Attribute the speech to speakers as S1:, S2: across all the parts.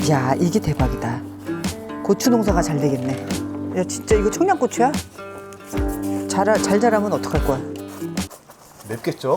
S1: 야, 이게 대박이다. 고추 농사가 잘 되겠네. 야, 진짜 이거 청양고추야? 잘 자라면 어떡할 거야?
S2: 맵겠죠?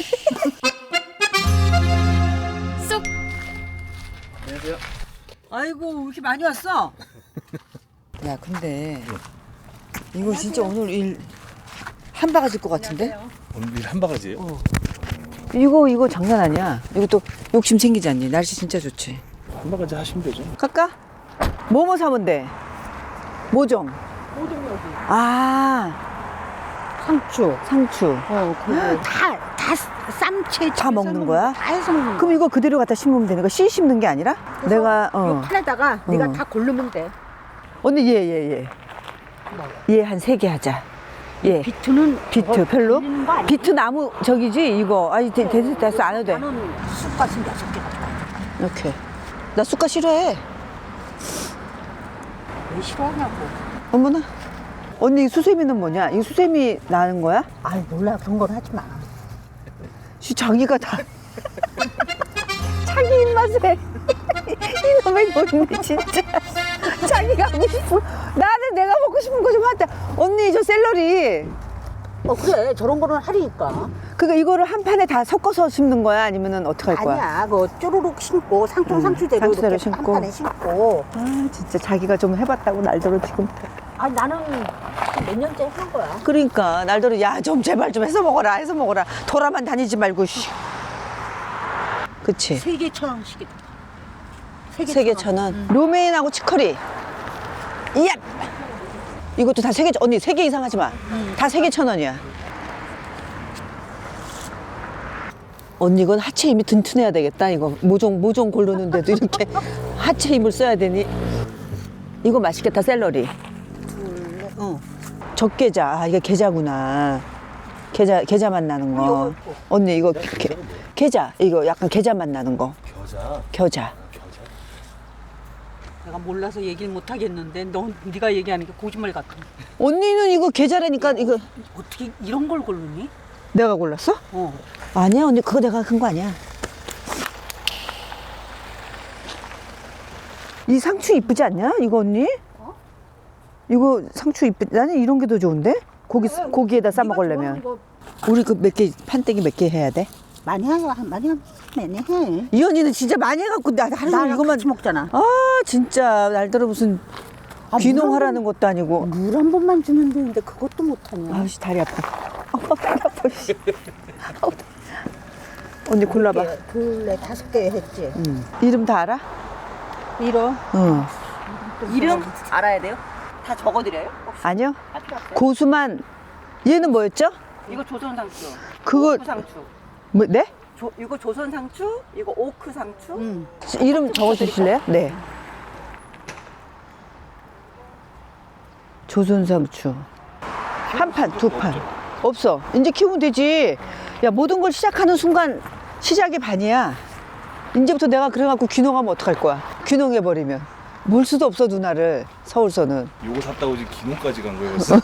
S3: 쏙.
S2: 안녕하세요.
S1: 아이고, 왜 이렇게 많이 왔어? 야, 근데 이거 진짜 오늘 일 한 바가지일 것 같은데?
S2: 오늘 일 한 바가지예요?
S1: 이거 장난 아니야. 이것도 욕심 생기지 않니? 날씨 진짜 좋지.
S2: 한 바가지 하시면 되죠.
S1: 갈까? 뭐뭐 사면 돼? 모종.
S3: 모종 여기.
S1: 아,
S3: 상추.
S1: 상추.
S3: 다 쌈채.
S1: 다 먹는 거야?
S3: 다 해서 먹는 거야.
S1: 그럼 이거 그대로 갖다 심으면 되는 거야? 씨 심는 게 아니라? 내가
S3: 요 판에다가 네가
S1: 어.
S3: 다 고르면 돼.
S1: 언니 얘 한 3개 하자. 얘
S3: 비트는
S1: 비트 별로?
S3: 빌리는 거 아니야?
S1: 비트 나무 저기지 이거. 아니 됐어 안 해도 돼.
S3: 나는 쑥갓은 6개가 좋아.
S1: 이렇게. 나 쑥갓 싫어해.
S3: 왜 싫어하냐고.
S1: 어머나. 언니 이 수세미는 뭐냐? 이 수세미 나는 거야?
S3: 아이 몰라 그런 건 하지 마.
S1: 자기가 다 자기 입맛에 이놈의 언니 진짜 자기가 하고 싶은 나는 내가 먹고 싶은 거 좀 하자. 언니 저 샐러리
S3: 그래 저런 거는 하리니까.
S1: 그러니까 이거를 한 판에 다 섞어서 심는 거야? 아니면은 어떻게 할 거야?
S3: 아니야 그 쪼르륵 심고 상추대로
S1: 상추대로
S3: 이렇게
S1: 심고.
S3: 한 판에 심고.
S1: 아 진짜 자기가 좀 해봤다고 날더러 지금.
S3: 아 나는 몇 년째 한 거야.
S1: 그러니까 날더러 야 좀 제발 좀 해서 먹어라 돌아만 다니지 말고. 씨. 그치?
S3: 3개 1,000원씩이다.
S1: 3개 1,000원. 로메인하고 치커리. 이야. 이것도 다 3개. 언니 3개 이상 하지 마. 다 3개 1,000원이야. 언니 이건 하체 힘이 튼튼해야 되겠다. 이거 모종 고르는데도 이렇게 하체 힘을 써야 되니. 이거 맛있겠다. 샐러리. 적게자. 아, 이게 게자구나. 게자 맛 나는 거. 언니 이거 게자. 이거 약간 게자 맛 나는 거. 겨자.
S4: 내가 몰라서 얘기를 못 하겠는데 네가 얘기하는 게 거짓말 같아.
S1: 언니는 이거 계좌라니까 이거
S4: 어떻게 이런 걸 고르니?
S1: 내가 골랐어?
S4: 어.
S1: 아니야 언니 그거 내가 한 거 아니야. 이 상추 이쁘지 않냐? 이거 언니? 이거 상추 나는 이런 게 더 좋은데? 고기에다 싸 먹으려면. 우리 그 몇 개 판때기 몇 개 해야 돼?
S3: 많이 해 많이 해.
S1: 이 언니는 진짜 많이 해갖고 나 하루 종일
S3: 나랑
S1: 이것만
S3: 같이 먹잖아.
S1: 아 진짜 날더러 무슨 귀농하라는 것도 아니고.
S3: 물 한 번만 주면 되는데 그것도 못하냐.
S1: 아우씨 다리 아파. 다리 아파. 씨. 아우, 언니 골라봐.
S3: 둘레 5개 했지.
S1: 이름 다 알아?
S4: 이런
S1: 응.
S4: 이름 알아야 돼요? 다 적어드려요?
S1: 아니요. 고수만. 얘는 뭐였죠?
S4: 이거 조선 상추.
S1: 그거
S4: 오크 상추.
S1: 뭐 네?
S4: 이거 조선 상추, 이거 오크 상추.
S1: 이름 적어주실래요? 네. 조선상추. 한 판, 2판. 없어. 이제 키우면 되지. 야, 모든 걸 시작하는 순간 시작이 반이야. 이제부터 내가 그래갖고 귀농하면 어떡할 거야? 귀농해버리면. 몰 수도 없어, 누나를. 서울서는.
S2: 요거 샀다고 지금 기농까지 간 거예요 벌써?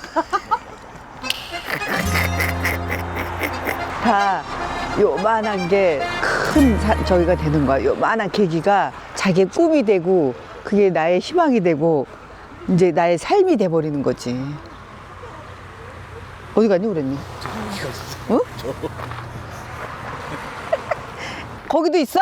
S1: 다 요만한 게 큰 저기가 되는 거야. 요만한 계기가 자기의 꿈이 되고 그게 나의 희망이 되고 이제 나의 삶이 돼버리는 거지. 어디 갔니 그랬니? 어? 거기도 있어?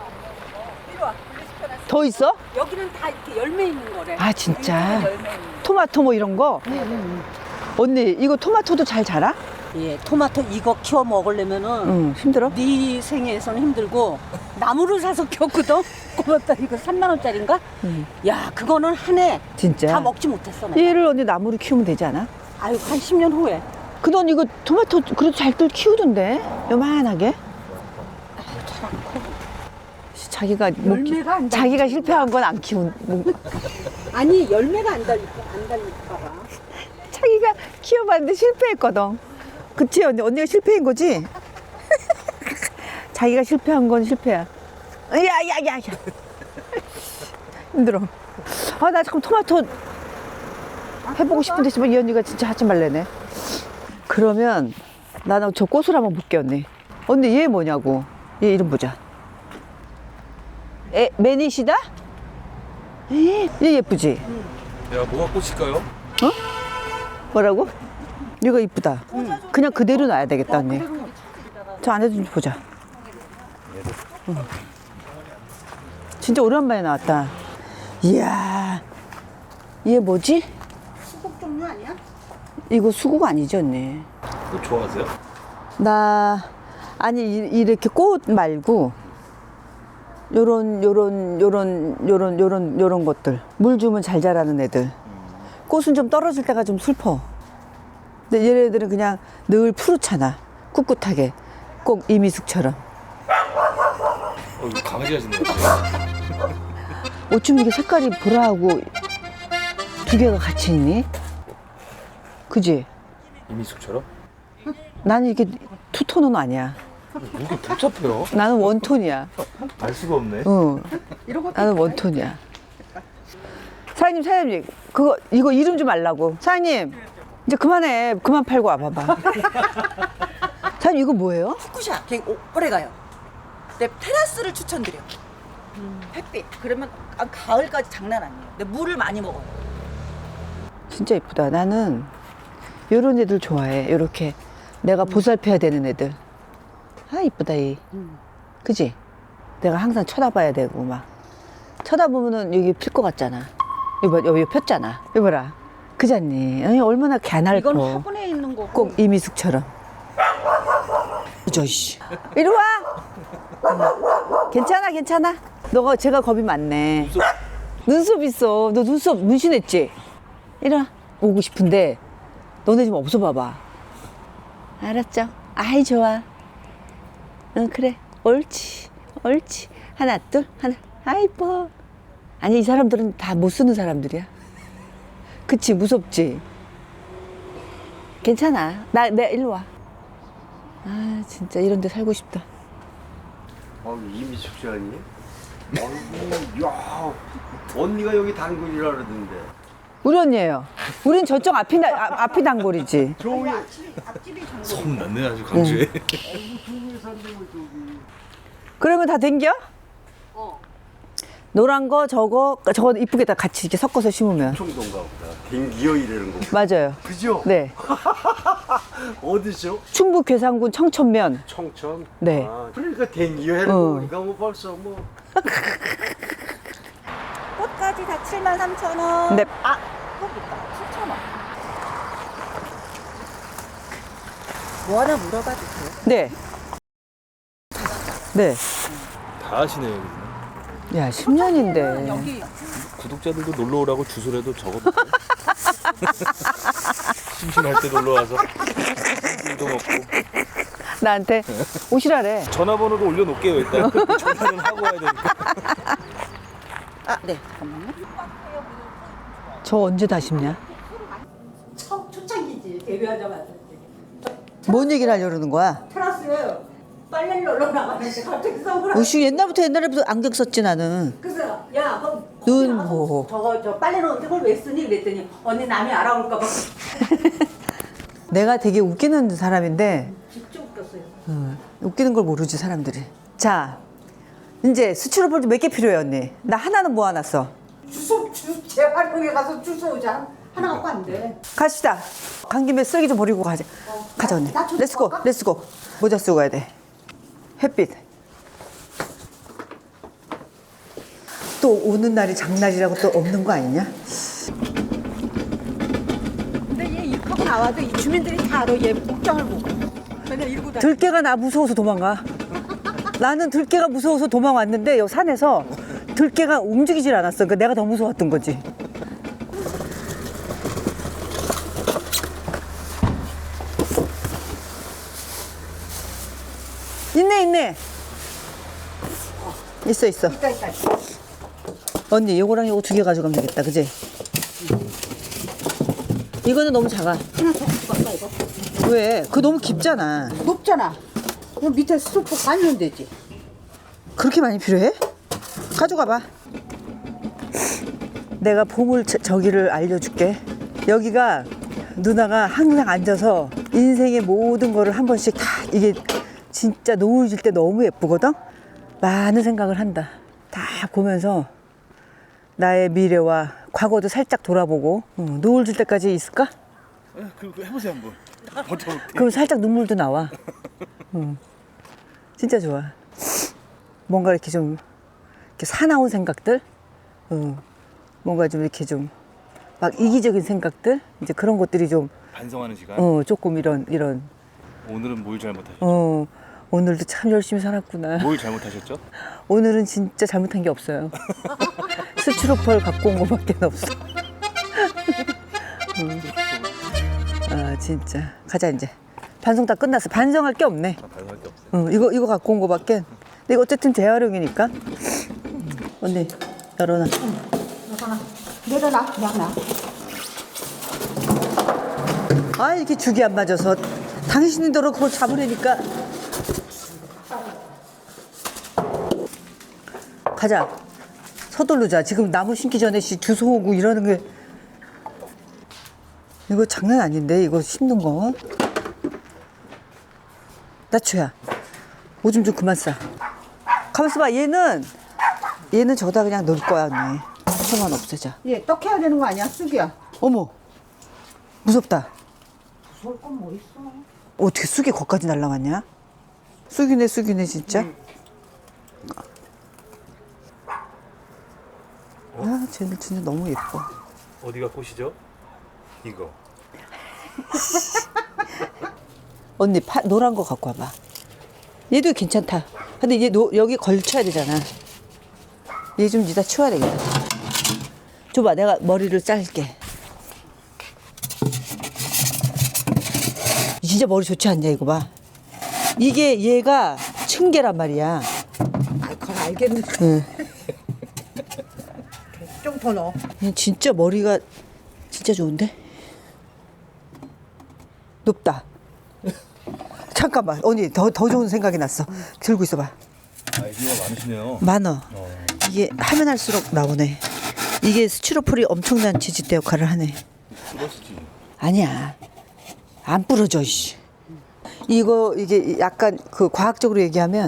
S1: 더 있어?
S4: 여기는 다 이렇게 열매 있는 거래.
S1: 아 진짜?
S4: 여기는 열매 있는 거.
S1: 토마토 뭐 이런 거? 언니 이거 토마토도 잘 자라?
S4: 예, 토마토 이거 키워 먹으려면은
S1: 응 힘들어?
S4: 네 생애에서는 힘들고 나무를 사서 키웠거든. 고맙다. 이거 3만 원짜리인가? 야, 그거는 한 해 다
S1: 진짜?
S4: 먹지 못했어. 내가.
S1: 얘를 언니 나무로 키우면 되지 않아?
S4: 아유, 한 10년 후에.
S1: 근데 언니 이거 토마토 그래도 잘들 키우던데 요만하게? 자기가
S4: 열매가 안
S1: 자기가 실패한 건 안 키운
S4: 아니, 열매가 안 달릴까 봐.
S1: 자기가 키워봤는데 실패했거든. 그치 언니? 언니가 실패인 거지? 자기가 실패한 건 실패야. 야야야 힘들어. 아 나 잠깐 토마토 해보고 싶은데 지금 이 언니가 진짜 하지 말래네. 그러면 나는 저 꽃을 한번 볼게 언니. 언니 얘 뭐냐고. 얘 이름 보자. 매니시다? 얘 예쁘지?
S2: 야, 뭐가 꽃일까요?
S1: 뭐라고? 이거 이쁘다. 그냥 그대로 놔야 되겠다, 언니. 저 안에도 좀 보자. 응. 진짜 오랜만에 나왔다. 이야, 얘 뭐지?
S3: 수국 종류 아니야?
S1: 이거 수국 아니지, 언니?
S2: 꽃 좋아하세요?
S1: 나 아니 이렇게 꽃 말고 요런 것들 물 주면 잘 자라는 애들. 꽃은 좀 떨어질 때가 좀 슬퍼. 근데 얘네들은 그냥 늘 푸르잖아. 꿋꿋하게 꼭 이미숙처럼.
S2: 이거 강아지 하시는 것 같아요.
S1: 어쩜 이게 색깔이 보라하고 두 개가 같이 있니? 그지?
S2: 이미숙처럼?
S1: 나는 이게 투톤은 아니야.
S2: 이게 복잡해요.
S1: 나는 원톤이야.
S2: 알 수가 없네.
S1: 응. 나는 원톤이야. 사장님, 이거 이름 좀 알라고. 사장님, 이제 그만해. 그만 팔고 와봐봐. 사장님, 이거 뭐예요?
S5: 후쿠샤 되게 오래 가요. 근데 테라스를 추천드려. 햇빛. 그러면 가을까지 장난 아니에요. 근데 물을 많이 먹어요.
S1: 진짜 이쁘다. 나는 요런 애들 좋아해. 요렇게 내가 보살펴야 되는 애들. 아, 이쁘다, 이. 그지? 내가 항상 쳐다봐야 되고, 막. 쳐다보면은 여기 필 것 같잖아. 여기 폈잖아. 여기 봐라. 그잖니? 아니, 얼마나
S4: 이건
S1: 갸날고.
S4: 화분에 있는 거고.
S1: 꼭 이미숙처럼. 저씨. 이리 와! 괜찮아. 너가 제가 겁이 많네. 눈썹 있어. 너 눈썹 문신했지? 이리 와. 오고 싶은데, 너네 좀 없어 봐봐. 알았죠? 아이, 좋아. 응, 그래. 옳지. 하나, 둘, 하나. 아, 이뻐. 아니, 이 사람들은 다 못 쓰는 사람들이야. 그치, 무섭지? 괜찮아. 내 일로 와. 아, 진짜 이런 데 살고 싶다.
S6: 이미숙 씨 아니에요? 아이고, 야, 언니가 여기 단골이라 그러던데.
S1: 우리 언니예요. 우린 저쪽 앞이 단골이지.
S2: 소문 났네, 아주 강주에.
S1: 그러면 다 댕겨? 노란 거, 저거 이쁘게 다 같이 이렇게 섞어서 심으면.
S6: 청동가 보다. 댕기어 이러는 거.
S1: 맞아요.
S6: 그죠?
S1: 네.
S6: 어디죠?
S1: 충북 괴산군 청천면.
S6: 청천?
S1: 네.
S6: 아, 그러니까 댕기어 하는
S1: 어.
S6: 거니까 뭐 벌써 뭐.
S5: 꽃까지 다 73,000원.
S1: 네.
S5: 아, 꽃 있다. 7,000원. 뭐 하나 물어봐도 돼요?
S1: 네. 네.
S2: 다 하시네요, 여기는.
S1: 야, 10년인데.
S5: 여기
S2: 구독자들도 놀러 오라고 주소라도 적어도 돼요? 심심할 때 놀러 와서 술도 먹고.
S1: 나한테 오시라래.
S2: 전화번호도 올려놓을게요, 일단. 전화는 하고 와야 되니까.
S5: 아, 네. 잠깐만요.
S1: 저 언제 다 심냐?
S4: 초창기지. 데뷔하자마자.
S1: 뭔 얘기를 하려고 그러는 거야?
S4: 테라스에 빨래를 널러 나가는데 갑자기 선글라스.
S1: 오씨, 옛날부터 안경 썼지, 나는.
S4: 그래서 야, 그럼
S1: 눈 보호.
S4: 저 빨래 넣는데 그걸 왜 쓰니? 그랬더니 언니 남이 알아올까 봐.
S1: 내가 되게 웃기는 사람인데,
S4: 진짜 웃겼어요.
S1: 웃기는 걸 모르지, 사람들이. 자, 이제 수출을 몇 개 필요해, 언니? 나 하나는 모아놨어.
S4: 주소 재활용해 가서 주소 오자. 하나 갖고 안 돼.
S1: 갑시다. 간 김에 쓰레기 좀 버리고 가자. 가자, 언니.
S3: 나 좀
S1: 렛츠고,
S3: 볼까?
S1: 렛츠고. 모자 쓰고 가야 돼. 햇빛. 또 오는 날이 장날이라고 또 없는 거 아니냐?
S4: 근데 얘 입하고 나와도 이 주민들이 다 알아. 얘 복장을 보고. 맨날 이러고 다녀.
S1: 들깨가 나 무서워서 도망가. 나는 들깨가 무서워서 도망왔는데 여기 산에서 들깨가 움직이질 않았어. 그러니까 내가 더 무서웠던 거지. 있네. 있어.
S4: 있다.
S1: 언니, 요거랑 요거 두 개 가져가면 되겠다. 그지? 이거는 너무 작아.
S3: 하나 더 가져갈까 이거?
S1: 왜? 그거 너무 깊잖아.
S3: 높잖아. 그럼 밑에 수프 깔면 되지.
S1: 그렇게 많이 필요해? 가져가 봐. 내가 보물 저기를 알려줄게. 여기가 누나가 항상 앉아서 인생의 모든 거를 한 번씩 다 이게 진짜 노을 질 때 너무 예쁘거든? 많은 생각을 한다. 다 보면서 나의 미래와 과거도 살짝 돌아보고 노을 질 때까지 있을까?
S2: 그거 해보세요 한번. 버텨볼게.
S1: 그럼 살짝 눈물도 나와. 진짜 좋아. 뭔가 이렇게 좀 이렇게 사나운 생각들, 뭔가 좀 이렇게 좀 막 이기적인 생각들, 이제 그런 것들이 좀
S2: 반성하는 시간.
S1: 조금 이런
S2: 오늘은 뭘 잘못하셨죠?
S1: 오늘도 참 열심히 살았구나.
S2: 뭘 잘못하셨죠?
S1: 오늘은 진짜 잘못한 게 없어요. 스티로폴 갖고 온 거밖에 없어. 아 진짜 가자 이제. 반성 다 끝났어. 반성할 게 없네.
S2: 반성할 게 없어요.
S1: 이거 갖고 온 거밖에. 근데 이거 어쨌든 재활용이니까. 언니 열어놔.
S3: 내려놔, 그냥 놔.
S1: 아 이렇게 죽이 안 맞아서 당신들로 그걸 잡으려니까. 가자. 서두르자. 지금 나무 심기 전에 주소 오고 이러는 게 이거 장난 아닌데 이거 심는 거. 나초야. 오줌 좀 그만 싸. 가만있어 봐. 얘는 저다 그냥 넣을 거야 언니. 상관 없애자.
S3: 얘 떡해야 되는 거 아니야, 쑥이야?
S1: 어머 무섭다.
S3: 무서울 건 뭐 있어?
S1: 어떻게 쑥이 거기까지 날라갔냐? 쑥이네 진짜. 아 쟤는 진짜 너무 예뻐.
S2: 어디가 꽃이죠? 이거.
S1: 언니 노란 거 갖고 와봐. 얘도 괜찮다. 근데 얘 여기 걸쳐야 되잖아. 얘 좀 이따 치워야 되겠다. 줘봐 내가 머리를 자를게. 진짜 머리 좋지 않냐 이거 봐. 이게 얘가 층계란 말이야.
S3: 아, 그걸 알겠는데.
S1: 응.
S3: 좀 더 넣어.
S1: 얘 진짜 머리가 진짜 좋은데? 높다. 잠깐만 언니 더 좋은 생각이 났어. 들고 있어봐.
S2: 아이디어가 많으시네요.
S1: 많어. 이게 하면 할수록 나오네. 이게 스티로폴이 엄청난 지지대 역할을 하네.
S2: 부러지지.
S1: 아니야. 안 부러져, 씨. 이게 약간 그 과학적으로 얘기하면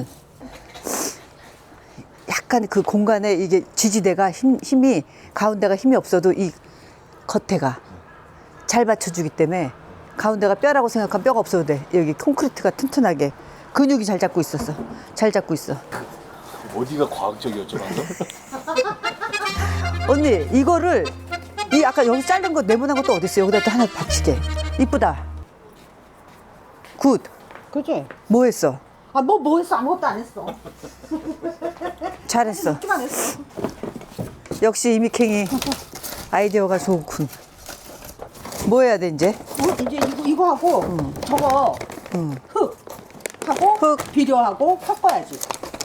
S1: 약간 그 공간에 이게 지지대가 힘이 가운데가 힘이 없어도 이 겉에가 잘 받쳐주기 때문에 가운데가 뼈라고 생각하면 뼈가 없어도 돼. 여기 콘크리트가 튼튼하게 근육이 잘 잡고 있었어. 잘 잡고 있어.
S2: 어디가 과학적이었죠 방금?
S1: 언니 이거를 이 아까 여기 자른 거 네모난 것도 어디 있어? 여기다 또 하나 받치게. 이쁘다. 굿.
S3: 그지?
S1: 뭐 했어?
S3: 아, 뭐 했어? 아무것도 안 했어.
S1: 잘했어.
S3: 듣기만 했어.
S1: 역시 이미캥이 아이디어가 좋군. 뭐 해야 돼 이제?
S3: 이제 이거 하고 저거 흙 하고
S1: 흙.
S3: 비료하고 섞어야지.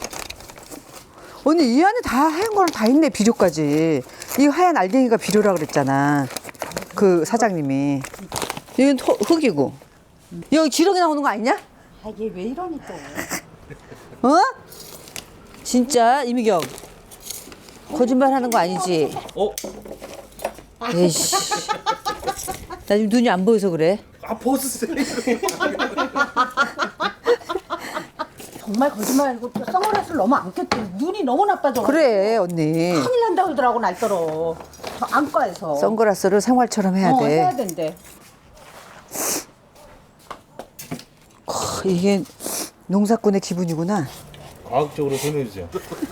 S1: 언니 이 안에 다 하얀 거랑 다 있네. 비료까지. 이 하얀 알갱이가 비료라 그랬잖아. 그 사장님이. 여긴 흙이고. 여기 지렁이 나오는 거 아니냐?
S3: 아, 얘 왜 이러니 또.
S1: 어? 진짜 이미경 거짓말 하는 거 아니지? 에이씨. 나 지금 눈이 안 보여서 그래.
S2: 아 벗으세요.
S3: 정말 거짓말 아니고 또 선글라스를 너무 안 꼈지. 눈이 너무 나빠져.
S1: 그래 언니.
S3: 큰일 난다 그러더라고 날더러. 저 안과에서.
S1: 선글라스를 생활처럼 해야 돼.
S3: 해야 된대.
S1: 이게 농사꾼의 기분이구나.
S2: 과학적으로 설명해 주세요.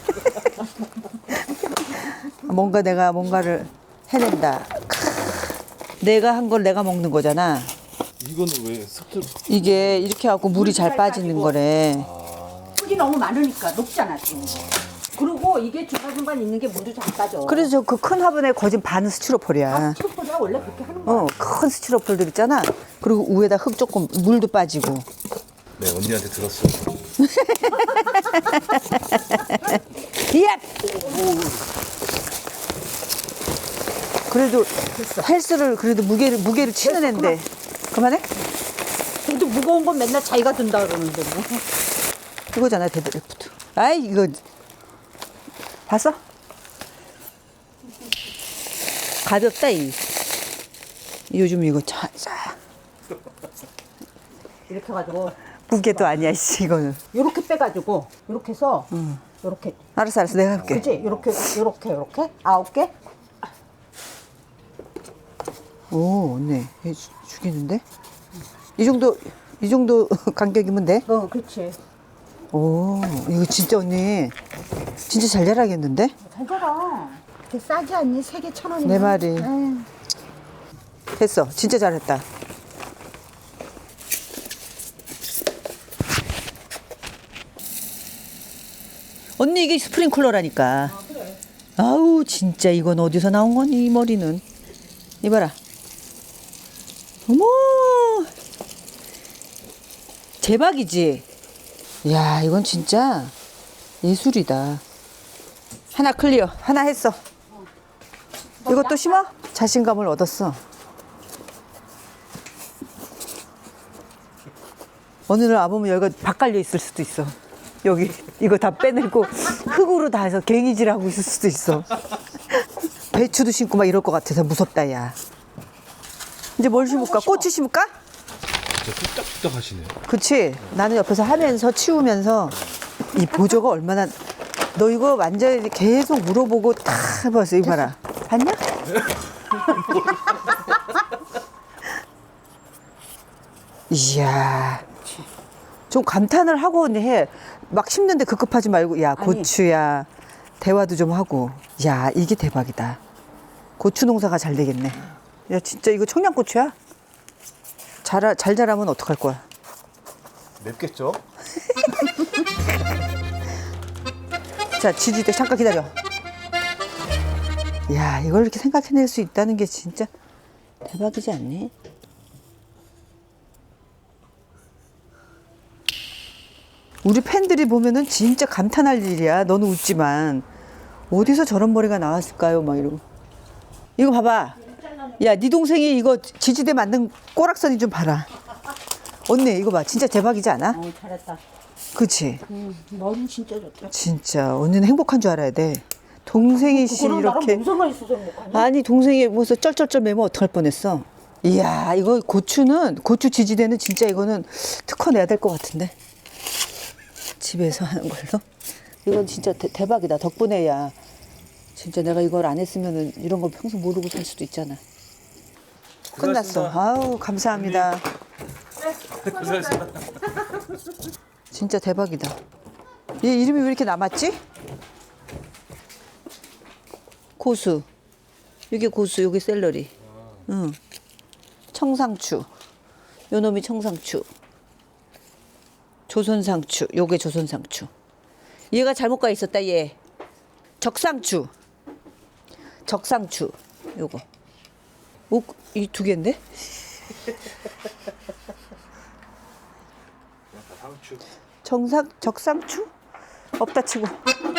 S1: 뭔가 내가 뭔가를 해낸다. 내가 한 걸 내가 먹는 거잖아.
S2: 이거는 왜 습득?
S1: 이게 이렇게 하고 물이 잘 빠지는 거래.
S3: 흙이 너무 많으니까 녹잖아 지금. 그리고 이게 중간중간 있는 게 물도 잘 빠져.
S1: 그래서 그 큰 화분에 거진 반은 스티로폴이야.
S3: 스티로폴이야 원래 그렇게 하는 거야.
S1: 큰 스티로폴들 있잖아. 그리고 위에다 흙 조금 물도 빠지고.
S2: 네 언니한테 들었어.
S1: 예! 그래도 헬스를 그래도 무게를 치는 앤데. 그만해?
S3: 근데 무거운 건 맨날 자기가 든다 그러는데 뭐.
S1: 이거잖아 데드리프트. 아이 이거 봤어? 가볍다 이. 요즘 이거 자.
S3: 이렇게 해가지고
S1: 무게도 아니야 씨 이거는.
S3: 이렇게 빼가지고 이렇게 해서 요렇게.
S1: 알았어, 내가 해볼게.
S3: 그치? 요렇게 9개?
S1: 오, 언니 죽이는데? 이 정도 간격이면 돼?
S3: 그렇지.
S1: 오, 이거 진짜 언니 진짜 잘 자라겠는데?
S3: 잘 자라. 되게 싸지 않니? 3개 1,000원이면.
S1: 내 말이. 됐어, 진짜 잘했다. 언니 이게 스프링클러라니까. 아우 진짜 이건 어디서 나온 거니 이 머리는. 이봐라. 어머 대박이지. 야 이건 진짜 예술이다. 하나 클리어. 하나 했어. 이것도 심어? 자신감을 얻었어. 어느 날 와보면 여기가 박 깔려 있을 수도 있어. 여기 이거 다 빼내고 흙으로 다 해서 갱이질하고 있을 수도 있어. 배추도 심고 막 이럴 것 같아서 무섭다 야. 이제 뭘 심을까? 고추 심을까?
S2: 진짜 뚝딱뚝딱 하시네요.
S1: 그치? 나는 옆에서 하면서 치우면서 이 보조가 얼마나 너 이거 완전히 계속 물어보고 다 해봤어. 이거 봐라. 봤냐? 이야. 좀 감탄을 하고 해. 막 심는데 급급하지 말고 야 고추야. 대화도 좀 하고. 야 이게 대박이다. 고추 농사가 잘 되겠네. 야 진짜 이거 청양고추야? 잘 자라면 어떡할 거야?
S2: 맵겠죠?
S1: 자, 지지대 잠깐 기다려. 야, 이걸 이렇게 생각해낼 수 있다는 게 진짜 대박이지 않니? 우리 팬들이 보면은 진짜 감탄할 일이야. 너는 웃지만 어디서 저런 머리가 나왔을까요? 막 이러고. 이거 봐봐. 야, 네 동생이 이거 지지대 만든 꼬락선이 좀 봐라. 언니 이거 봐. 진짜 대박이지 않아?
S3: 잘했다.
S1: 그치?
S3: 머리 진짜 좋다.
S1: 진짜 언니는 행복한 줄 알아야 돼. 동생이 씨 이렇게
S3: 무슨 말 있어서 행복하니?
S1: 아니 동생이 무슨 쩔쩔쩔 매면 어떡할 뻔했어. 이야 이거 고추 지지대는 진짜 이거는 특허 내야 될 것 같은데 집에서 하는 걸로. 이건 진짜 대박이다. 덕분에 야 진짜 내가 이걸 안 했으면은 이런 걸 평생 모르고 살 수도 있잖아. 끝났어. 아우 감사합니다. 진짜 대박이다. 얘 이름이 왜 이렇게 남았지? 고수. 이게 고수, 이게 샐러리. 응. 청상추. 요 놈이 청상추. 조선상추. 요게 조선상추. 얘가 잘못 가 있었다, 얘. 적상추. 적상추. 요거. 오, 이 두 개인데? 적상추? 없다 치고.